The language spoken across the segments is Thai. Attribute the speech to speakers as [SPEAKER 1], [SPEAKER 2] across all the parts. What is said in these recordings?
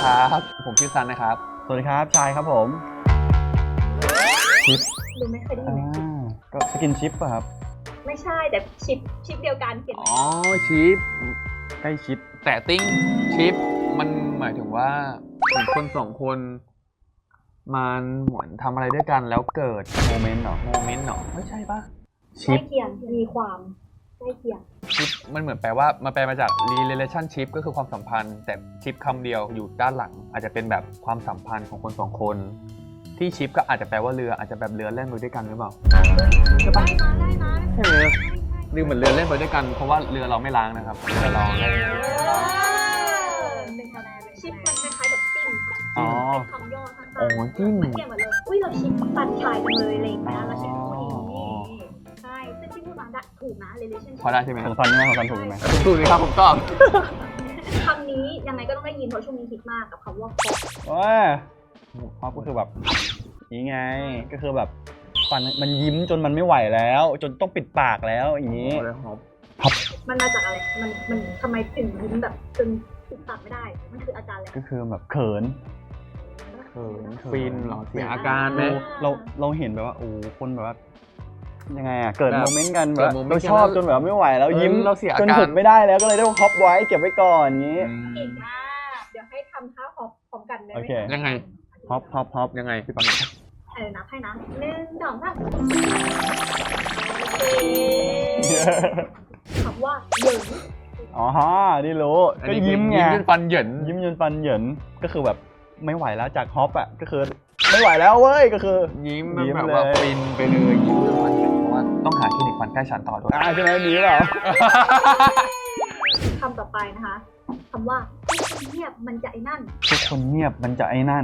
[SPEAKER 1] ครับผมชื่อซันนะครับ
[SPEAKER 2] สวัสดีครับชายครับผมชิป
[SPEAKER 3] ดูไม่เคยได้ยินเลย
[SPEAKER 2] ก็สกินชิปป่ะครับ
[SPEAKER 3] ไม่ใช่แต่ชิปเดียวกันเขียน
[SPEAKER 1] อ๋อชิป
[SPEAKER 2] ใกล้ชิป
[SPEAKER 1] แต่ติ้งชิปมันหมายถึงว่าคนสองคนมันเหมือนทำอะไรด้วยกันแล้วเกิด
[SPEAKER 2] โมเมนต์เหรอ
[SPEAKER 1] ไม่ใช่ปะ
[SPEAKER 3] ใกล้เคียงมีความใกล้เคียง
[SPEAKER 1] ชิปมันเหมือนแปลว่ามันแปลมาจาก relationship ก็คือความสัมพันธ์แต่ชิปคำเดียวอยู่ด้านหลังอาจจะเป็นแบบความสัมพันธ์ของคนสองคนที่ชิปก็อาจจะแปลว่าเรืออาจจะแบบเรือเล่นไปด้วยกันหรือเปล่าใช่ปะ
[SPEAKER 3] ได้นะ
[SPEAKER 1] ใช่ไหมเรือเหมือนเรือเล่นไปด้วยกันเพราะว่าเรือเราไม่ล้างนะครับเรือเราเล่น
[SPEAKER 3] ชิปมันคล้ายๆแบบจิ้มเป็นคำย่อสั้นๆ
[SPEAKER 1] จิ้ม
[SPEAKER 3] มันเกี่ยวหมดเลยอุ้ยเราชิปปันชายกันเลยอะไรอย่างเงี้ยเราชิปคู่นี้ใช่ซึ่งที่พูดมาถูกนะ relationship
[SPEAKER 1] พอได้ใช่ไหม
[SPEAKER 2] ของซันใช่ไหมของซันถูกไหม
[SPEAKER 1] ถูกเลยครับผมตอบ
[SPEAKER 3] คำนี้ยังไงก็ต้องได้ยินเพราะช่วงนี้ฮิตมากกับคำว่า
[SPEAKER 2] คอปก็คือแบบนี่ไงก็คือแบบฟันมันยิ้มจนมันไม่ไหวแล้วจนต้องปิดปากแล้วอย่างนี้
[SPEAKER 3] มันมาจากอะไรมันทำไมถึงยิ้มแบบจนปิดปากไม่ได้มันคืออาการอะไร
[SPEAKER 2] ก็คือแบบเขิน
[SPEAKER 1] ฟินหรอเสียอาการไหม
[SPEAKER 2] เราเห็นแบบว่าโอ้คนแบบว่ายังไงเกิดโมเมนต์กันแบบเราชอบจนแบบไม่ไหวแล้วยิ้มจนหยุดไม่ได้แล้วก็เลยต้องฮอปไว้เก็บไว้ก่อนอย่างนี้
[SPEAKER 3] เก่งมากเดี๋ยวให้ทำท่าฮอปพร้อมกันได้ไหม
[SPEAKER 1] ยังไง
[SPEAKER 2] ฮอป
[SPEAKER 1] ยังไงพี่ปัง
[SPEAKER 3] นับให้นะ1 2 3คำว่าเหยิน
[SPEAKER 2] อ๋อนี่รู้ก็ยิ้มไง
[SPEAKER 1] ยิ้มจนฟันเหยิน
[SPEAKER 2] ก็คือแบบไม่ไหวแล้วจากฮอปก็คือไม่ไหวแล้วเว้ยก็คือ
[SPEAKER 1] ยิ้มแบบว่าฟินไปเลยยิ้มจนฟันเหยินเพราะว่าต้องหาคลินิกฟันใกล้ฉันต่อด้วย
[SPEAKER 2] ใช่ไหมดีเปล่า
[SPEAKER 3] คำต่อไปนะคะคำว่าทุกคนเงียบมันจะไอ้นั่น
[SPEAKER 2] ทุกคนเงียบมันจะไอ้นั่น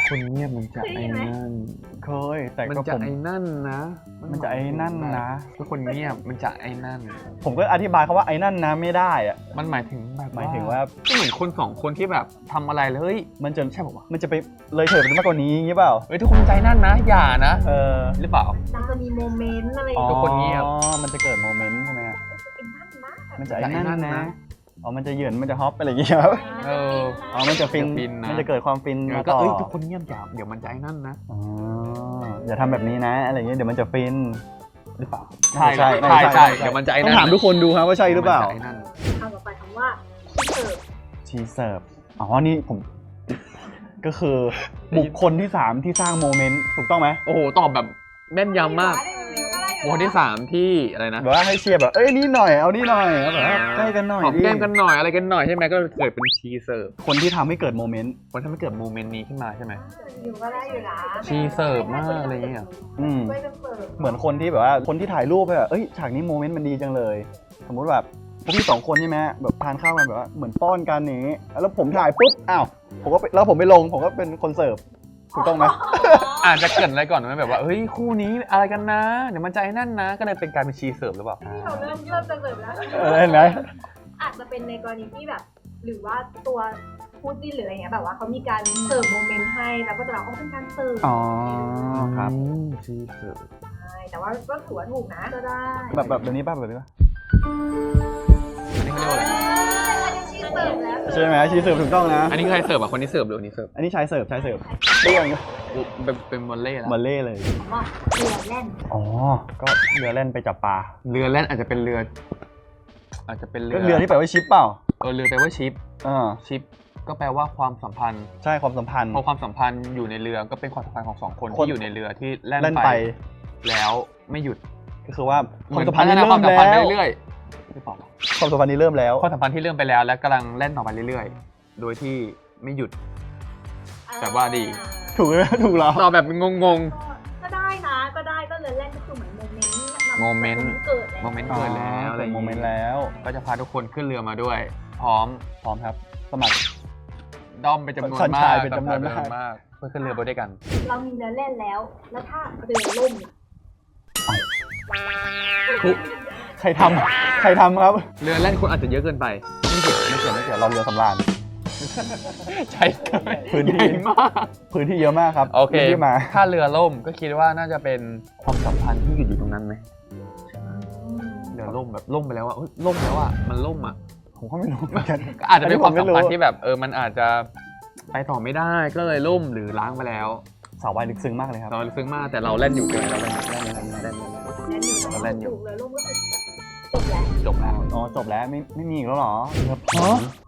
[SPEAKER 2] เคยแต่
[SPEAKER 1] ก็ผมไอ้นั่นนะ
[SPEAKER 2] มันจะไอ้นั่นนะ
[SPEAKER 1] ทุกคนเงียบมันจะไอ้นั่น
[SPEAKER 2] ผมก็อธิบายคำว่าไอ้นั่นนะไม่ได้อะ
[SPEAKER 1] มันหมายถึงว่า
[SPEAKER 2] ก็
[SPEAKER 1] เหมือนคนสองคนที่แบบทำอะไรเลยเฮ้ย
[SPEAKER 2] มันจะใช่ป่าวมันจะไปเลยเถิดไปมากกว่านี้งี้เปล่า
[SPEAKER 1] เฮ้ยทุกคนใจนั่นนะอย่านะหรือเปล่า
[SPEAKER 3] จะมีโมเมนต์อะไร
[SPEAKER 1] ทุกคนเงียบ
[SPEAKER 2] มันจะเกิดโมเมนต์ใช่ไหมมันจะไอ้นั่นนะมันจะเหยินมันจะฮอปอะไรอย่างเงี้ยครับมันจะฟินมันจะเกิดความฟิน
[SPEAKER 1] มาต่อทุกคนเงียบอย่าเดี๋ยวมันจะไอ้นั่นนะ
[SPEAKER 2] อย่าทำแบบนี้นะอะไรอย่างเงี้ยเดี๋ยวมันจะฟินหรือเปล่า
[SPEAKER 1] ใช่เดี๋ยวมันจะไอ้นั่น
[SPEAKER 2] ต้องถามทุกคนดูครับว่าใช่หรือเปล่า
[SPEAKER 3] คำต่อไปคำว่า
[SPEAKER 2] ชีเสิร์ฟนี่ผมก็คือบุคคลที่3ที่สร้างโมเมนต์ถูกต้องไหม
[SPEAKER 1] โอ้โหตอบแบบแม่นยำมากคนที่3ที่อะไรนะ
[SPEAKER 2] แบบว่าให้เชียร์แบบนี่หน่อยเอานี่หน่อยแบบใกล้กันหน่อย
[SPEAKER 1] หอมแก้มกันหน่อยอะไรกันหน่อยใช่ไหมก็เกิดเป็นชีเสิร์ฟ
[SPEAKER 2] คนที่ทำให้เกิดโมเมนต์
[SPEAKER 1] นี้ขึ้นมาใช่ไหม
[SPEAKER 3] อยู่ก็ได้อยู่นะ
[SPEAKER 1] ชีเสิร์ฟมากอะไรเงี้ย
[SPEAKER 2] เหมือนคนที่แบบว่าคนที่ถ่ายรูปไปแบบฉากนี้โมเมนต์มันดีจังเลยสมมุติแบบพวกพี่2 คนใช่ไหมแบบทานข้าวกันแบบว่าเหมือนป้อนกันอย่างนี้แล้วผมถ่ายปุ๊บผมก็แล้วผมไปลงผมก็เป็นคนเสิร์ฟถูกต้องไหม
[SPEAKER 1] อาจจะเกิดอะไรก่อนไหมแบบว่าเฮ้ยคู่นี้อะไรกันนะเดี๋ยวมันใจนั่นนะก็เลยเป็นการเป็นชีเสิร์ฟหรือเปล่า
[SPEAKER 3] เราเริ่มจะเสิร์ฟแล้ว
[SPEAKER 2] เห็นไหม
[SPEAKER 3] อาจจะเป็นในกรณีที่แบบหรือว่าตัวคู่จิ้นหรืออะไรเงี้ยแบบว่าเขามีการเสิร์ฟโมเมนต์ให้แล้วก็จะเราเป็นการเสิร์ฟ
[SPEAKER 2] ครับ
[SPEAKER 1] ชีเสิร์ฟ
[SPEAKER 3] ใช่แต่ว่าก็ถือว่าถูกนะก็ได้
[SPEAKER 2] แบบนี้ป่ะแบบนี้ป่ะ
[SPEAKER 1] นี่เขาเรียกว่าอะไร
[SPEAKER 2] ใช่ไหมชีเสิร์ฟถูกต้องนะ
[SPEAKER 1] อันนี้ใครเสิร์ฟคนนี้เสิร์ฟหรือนี้เสิร์ฟ
[SPEAKER 2] อันนี้ชายเสิร์ฟเรื่อง
[SPEAKER 1] เป็นวอลเล่แล้ว
[SPEAKER 2] วอลเล่เลย
[SPEAKER 3] ว่าเรือแล่น
[SPEAKER 2] ก็เรือแล่นไปจับปลา
[SPEAKER 1] เรือแล่นอาจจะเป็นเรือ
[SPEAKER 2] ก็เรือที่แปลว่าชิปเปล่า
[SPEAKER 1] เรือแปลว่าชิปชิปก็แปลว่าความสัมพันธ์
[SPEAKER 2] ใช่ความสัมพันธ์
[SPEAKER 1] พอความสัมพันธ์อยู่ในเรือก็เป็นความสัมพันธ์ของ2 คนที่อยู่ในเรือที่แล่นไปแล้วไม่หยุด
[SPEAKER 2] ก็คือว่า
[SPEAKER 1] ความสัมพันธ์นี้เริ่มแล้วเรื่อย
[SPEAKER 2] ๆความสัมพันธ์นี้เริ่มแล้ว
[SPEAKER 1] ความสัมพันธ์ที่เริ่มไปแล้วและกำลังแล่นต่อไปเรื่อยๆโดยที่ไม่หยุดแต่ว่าดี
[SPEAKER 2] ถูกไหมถูกแล้ว
[SPEAKER 1] ตอบแบบงง
[SPEAKER 3] ก็ได้นะก็ได้ก็เลยแล่นก็คือเหมือน
[SPEAKER 1] โมเมนต์เกิดแล้ว
[SPEAKER 2] โมเมนต์แล้ว
[SPEAKER 1] ก็จะพาทุกคนขึ้นเรือมาด้วยพร้อม
[SPEAKER 2] ครับสมัคร
[SPEAKER 1] ด้อมเป็นจำนวนมากเพื่อขึ้นเรือไปด้วยกัน
[SPEAKER 3] เรามีเรือเล่นแล้วถ้าเรือล่ม
[SPEAKER 2] ใครทำครับ
[SPEAKER 1] เรือเล่นคนอาจจะเยอะเกินไป
[SPEAKER 2] ไม่เกี่ยวเราเรือสำราญ
[SPEAKER 1] ใช่
[SPEAKER 2] พื้นที่
[SPEAKER 1] มาก
[SPEAKER 2] พื้นที่เยอะมากครับ
[SPEAKER 1] โอเคถ้าเรือล่มก็คิดว่าน่าจะเป็นความสัมพันธ์ที่อยู่ตรงนั้นไหมเรือล่มแบบล่มไปแล้วล่มแล้วมันล่ม
[SPEAKER 2] ผมก็ไม่รู้เหมือนกัน
[SPEAKER 1] อาจจะเป็นความสัมพันธ์ที่แบบมันอาจจะไปต่อไม่ได้ก็เลยล่มหรือล้างไปแล้ว
[SPEAKER 2] สาววายลึกซึ้งมากเลยครับ
[SPEAKER 1] เราซึ้งมากแต่เราเล่นอยู่เกินเราเล่นอยู่
[SPEAKER 3] แน่นอยู่
[SPEAKER 1] เราเล่นอยู่
[SPEAKER 3] ถูกเลยร่มก็คือจบแล้ว
[SPEAKER 1] จบแล้ว
[SPEAKER 2] อ๋อจบแล้วไม่มีอีกแล้วเหรอเรือผี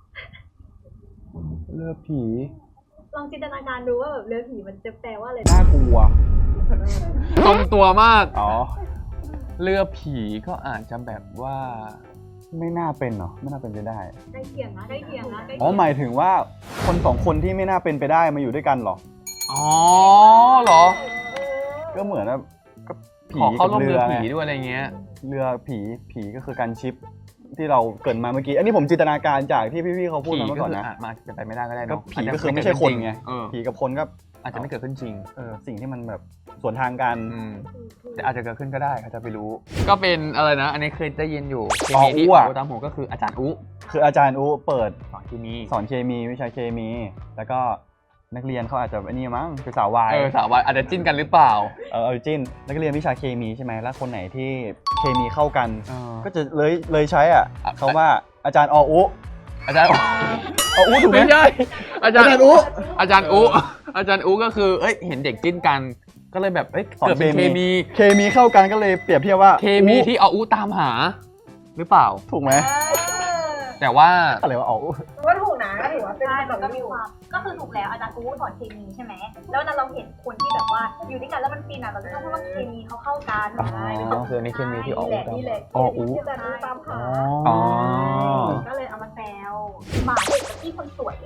[SPEAKER 2] เรือผี
[SPEAKER 3] ลองจินตนาการดูว่าแบบเรือผีมันจะแปลว่าอะไร
[SPEAKER 2] น่ากลัว
[SPEAKER 1] ตรงตัวมาก
[SPEAKER 2] อ๋อ
[SPEAKER 1] เรือผีก็อาจจะแบบว่า
[SPEAKER 2] ไม่น่าเป็นเนาะไม่น่าเป็นไปได้
[SPEAKER 3] ใกล้เคียงนะใกล้เคียงนะใกล้
[SPEAKER 2] อ๋อ
[SPEAKER 3] เคียง
[SPEAKER 2] หมายถึงว่าคนสองคนที่ไม่น่าเป็นไปได้มาอยู่ด้วยกันเหรอ
[SPEAKER 1] อ๋อเหรอ
[SPEAKER 2] ก็เหมือนว่าก็ผี
[SPEAKER 1] ขอเข้า
[SPEAKER 2] กับ
[SPEAKER 1] ร่วม
[SPEAKER 2] เรื
[SPEAKER 1] เรือ
[SPEAKER 2] อไง
[SPEAKER 1] ผีด้วยอะไรเงี้ย
[SPEAKER 2] เรือผีก็คือการชิปที่เราเกริดมาเมื่อกี้ อันนี้ผมจินตนาการจากที่พี่ๆเขาพูด
[SPEAKER 1] ผี
[SPEAKER 2] มาเมื่อ
[SPEAKER 1] ก็
[SPEAKER 2] ก่อน
[SPEAKER 1] คือ
[SPEAKER 2] นะ
[SPEAKER 1] อาจมาจะไปไม่ได้ก็ได้
[SPEAKER 2] ก็
[SPEAKER 1] เนาะ
[SPEAKER 2] ผีก็คือไม่ใช่คนไง
[SPEAKER 1] เออ
[SPEAKER 2] ผีกับคนก็
[SPEAKER 1] อาจจะไม่เกิดขึ้นจริง
[SPEAKER 2] สิ่งที่มันแบบสวนทางกัน
[SPEAKER 1] แต่อาจจะเกิดขึ้นก็ได้เขาจะไปรู้ ก็เป็นอะไรนะ อันนี้เคยได้ยินอยู่เค
[SPEAKER 2] อ๋อ
[SPEAKER 1] มีที่
[SPEAKER 2] อุ๊อะ
[SPEAKER 1] โอตามผมก็คืออาจารย์อุ
[SPEAKER 2] คืออาจารย์อูเปิด
[SPEAKER 1] สอนเคมี
[SPEAKER 2] สอนเคมีวิชาเคมี แล้วก็นักเรียนเขาอาจจะไอ้นี่มั้งคือสาววาย
[SPEAKER 1] สาววายอาจจะจิ้นกันหรือเปล่า
[SPEAKER 2] เอาจิ้นนักเรียนวิชาเคมีใช่ไหมแล้วคนไหนที่เคมีเข้ากัน
[SPEAKER 1] ก็
[SPEAKER 2] ก็จะเลยใช้อ่ะ
[SPEAKER 1] อ่ะ
[SPEAKER 2] เขาว่าอาจารย์ออุ
[SPEAKER 1] อาจารย์
[SPEAKER 2] ออุถูกไหม
[SPEAKER 1] ไม่ใช่อาจารย์
[SPEAKER 2] อาจารย์อุ
[SPEAKER 1] อาจารย์อุอาจารย์อุก็คือเห็นเด็กจิ้นกัน ก็เลยแบบเกิดเป็นเคมี
[SPEAKER 2] เคมีเข้ากันก็เลยเปรียบเทียบว่า
[SPEAKER 1] เคมีที่เอาอุตามหา หรือเปล่า
[SPEAKER 2] ถูกไหม
[SPEAKER 1] แต่ว่า
[SPEAKER 2] อะไรวะออุ
[SPEAKER 3] ว่าถูกนะก็ถือว่าเป็น
[SPEAKER 4] ใช่
[SPEAKER 3] แบ
[SPEAKER 4] มั
[SPEAKER 3] บ
[SPEAKER 4] นก็มีความก็คือถูกแล้วอาจารย์กูสอนเคมีใช่ไหมแล้วนั้นเราเห็นคนที่แบบว่าอยู่ด้วยกันแล้วมันฟินอ่ะเราจะชอบพูดว่าเคมีเขาเข้ากัน
[SPEAKER 1] คืออันนี้เคมีที่เอาอุตาม
[SPEAKER 3] นี่แหละ
[SPEAKER 2] อ๋ออุ
[SPEAKER 3] ที่อาจารย์อูตามหา
[SPEAKER 2] อ๋อ
[SPEAKER 4] ก็เลยเอามาแซวหมาเด็กกับพี่คนสวย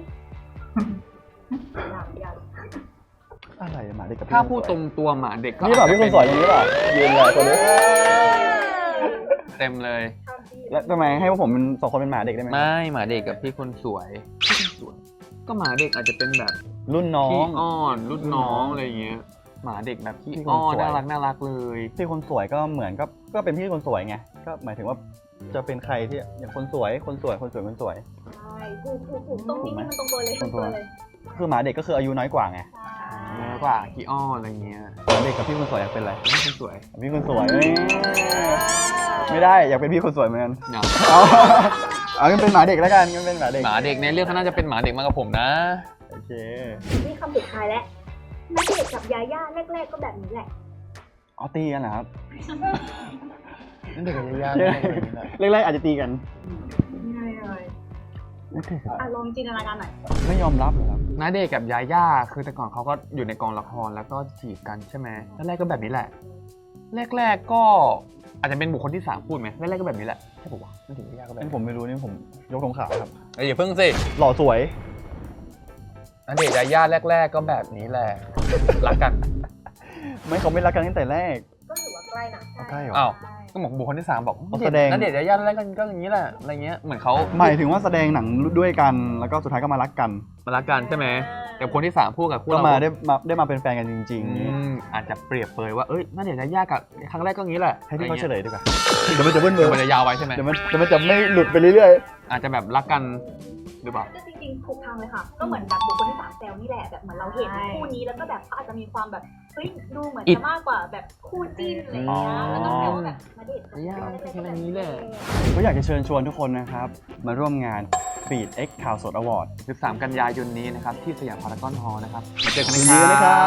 [SPEAKER 2] อะไรหมาเด็กกับ
[SPEAKER 1] ถ้าพูดตรงตัวหมาเด็กก็
[SPEAKER 2] นี่เปล่าพี่คนสวยตรงนี้เปล่ายืนเลยคนนี้
[SPEAKER 1] เต็มเลย
[SPEAKER 2] แล้วทำไมให้พวกผมเป็นสองคนเป็นหมาเด็กได้ไหม
[SPEAKER 1] ไม่หมาเด็กกับพี่คนสวยพี่คนสวย ก็หมาเด็กอาจจะเป็นแบบ
[SPEAKER 2] รุ่นน้อ
[SPEAKER 1] พี่
[SPEAKER 2] ง
[SPEAKER 1] อ้อนรุ่นน้องอะไรอย่างเงี้ยหมาเด็กแบบพี่
[SPEAKER 2] พี่คน
[SPEAKER 1] อ้อน
[SPEAKER 2] สวย
[SPEAKER 1] น่ารักเลย
[SPEAKER 2] พี่คนสวยก็เหมือนก็เป็นพี่คนสวยไงก็หมายถึงว่าจะเป็นใครที่อย่างคนสวยคนสวยคนสวยคนสวย
[SPEAKER 3] ใช่ถูกตรงนี้มันตรงตัวเลยตรงตัวเลย
[SPEAKER 2] คือหมาเด็กก็คืออายุน้อยกว่าไง
[SPEAKER 1] เยอะกว่าพี่อ้อนอะไรเงี้ย
[SPEAKER 2] หมาเด็กกับพี่คนสวยอยากเป็นอะไร
[SPEAKER 1] พี่คนสวย
[SPEAKER 2] พี่คนสวยไม่ได้อยากเป็นพี่คนสวยเหมือนกัน
[SPEAKER 1] เนาะ
[SPEAKER 2] เอางั้นเป็นหมาเด็กแล้วกันงั้นเป็นหมาเด็ก
[SPEAKER 1] หมาเด็กในเรื่องเขาน่าจะเป็นหมาเด็กมากกว่าผมนะ
[SPEAKER 2] โอเค
[SPEAKER 3] นี่คำสุดท้ายแล้วณเดชน์กับยาย่าแรกๆก็แบบนี้แหละ
[SPEAKER 2] อ๋อตีกันเหรอครับ
[SPEAKER 1] นั่นเด็กกับยา
[SPEAKER 2] แรกๆอาจจะตีกัน
[SPEAKER 3] ง่ายเลย
[SPEAKER 2] ไม่เคยครับ
[SPEAKER 3] ลองจินตนาการหน่อย
[SPEAKER 2] ไม่ยอมรับเหรอครับ
[SPEAKER 1] น้าเด็กกับยาย่าคือแต่ก่อนเขาก็อยู่ในกองละครแล้วก็จีบกันใช่ไหมแรกๆก็แบบนี้แหละ แรกๆก็อาจจะเป็นบุคคลที่สามพูดไหมแรกๆก็แบบนี้แหละใช่ปะวะนั่นถึงยาย่าก็แบบ
[SPEAKER 2] นี่ผมไม่รู้นี่ผมยกธงขาวครับ
[SPEAKER 1] อย่าเพิ่งสิ
[SPEAKER 2] หล่อสวย
[SPEAKER 1] น้าเด็กยาย่าแรก ๆ ก็แบบนี้แหละรักกัน
[SPEAKER 2] ไม่เขาไม่รักกันตั้งแต่แรก
[SPEAKER 3] ก็ถือว่าใกล้นะ
[SPEAKER 2] ใกล้เหรอ
[SPEAKER 1] อ้าวก็บอกบุคคลที่สามบอก
[SPEAKER 2] เขาแสดง
[SPEAKER 1] ณเดชน์ยาย่าแรกกันก็อย่างนี้แหละอะไรเงี้ยเหมือนเขา
[SPEAKER 2] หมายถึงว่าแสดงหนังด้วยกันแล้วก็สุดท้ายก็มารักกัน
[SPEAKER 1] มารักกันใช่ไหมแต่คนที่สามพูดกับคู่
[SPEAKER 2] ก็
[SPEAKER 1] เรา
[SPEAKER 2] มาได้มาเป็นแฟนกันจริง
[SPEAKER 1] อาจจะเปรียบเปรยว่าณเดชน์ยาย่ากับครั้งแรกก็อย่างนี้แหละ
[SPEAKER 2] ๆ ให้ที่เขาเฉลยดีกว่าเดี๋ยวมันจะเบิ้ลเบ
[SPEAKER 1] เดี๋
[SPEAKER 2] อ
[SPEAKER 1] ยว
[SPEAKER 2] ร์
[SPEAKER 1] มันจะยาวไว้ใช่ไหม
[SPEAKER 2] เดี๋ยวมันจะไม่หลุดไปเรื่อย
[SPEAKER 1] อาจจะแบบรักกันหรือเปล่า
[SPEAKER 4] ก็จริงๆถูกทางเลยค่ะ ก็เหมือนแบบบุคคลที่สามแซวนี่แหละแบบเหมือนเราเห็นคู่นี้แล้วก็แบบเขาอาจจะมีความแบบเฮ้ยดูเหมือนจะมากกว่าแบบคู่จิ้นอะไรอย่างเงี้ยแล้วก็แซวว่าแบบณเดชน์กับ
[SPEAKER 1] ยาย่าแค่นี้แหละ
[SPEAKER 2] ๆก็อยากจะเชิญชวนทุกคนนะครับ มาร่วมงาน Feed X ข่าวสดอวอร์ด
[SPEAKER 1] 13 กันยายนนี้นะครับที่สยามพารากอนฮอลล์นะครับมาเจอกัน
[SPEAKER 2] ยิ
[SPEAKER 1] นะ
[SPEAKER 2] น
[SPEAKER 1] ค
[SPEAKER 2] ดี
[SPEAKER 1] รั
[SPEAKER 2] ด้วยนะครับ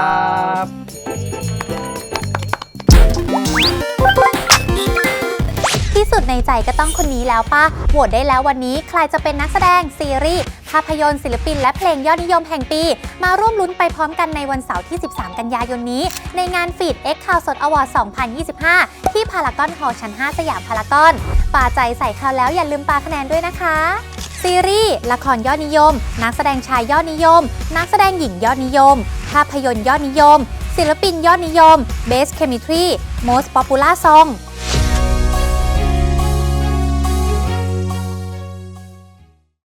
[SPEAKER 5] ที่สุดในใจก็ต้องคนนี้แล้วป่ะ โหวตได้แล้ววันนี้ใครจะเป็นนักแสดง ซีรีส์ ภาพยนตร์ศิลปินและเพลงยอดนิยมแห่งปี มาร่วมลุ้นไปพร้อมกันในวันเสาร์ที่ 13 กันยายนนี้ ในงาน Feed X ข่าวสดอวอร์ด 2025 ที่พารากอนฮอลล์ชั้น 5 สยามพารากอนป่าใจใส่ข่าวแล้วอย่าลืมปาคะแนนด้วยนะคะ ซีรีส์ ละครยอดนิยม นักแสดงชายยอดนิยม นักแสดงหญิงยอดนิยม ภาพยนตร์ยอดนิยม ศิลปินยอดนิยม Best Chemistry Most Popular Song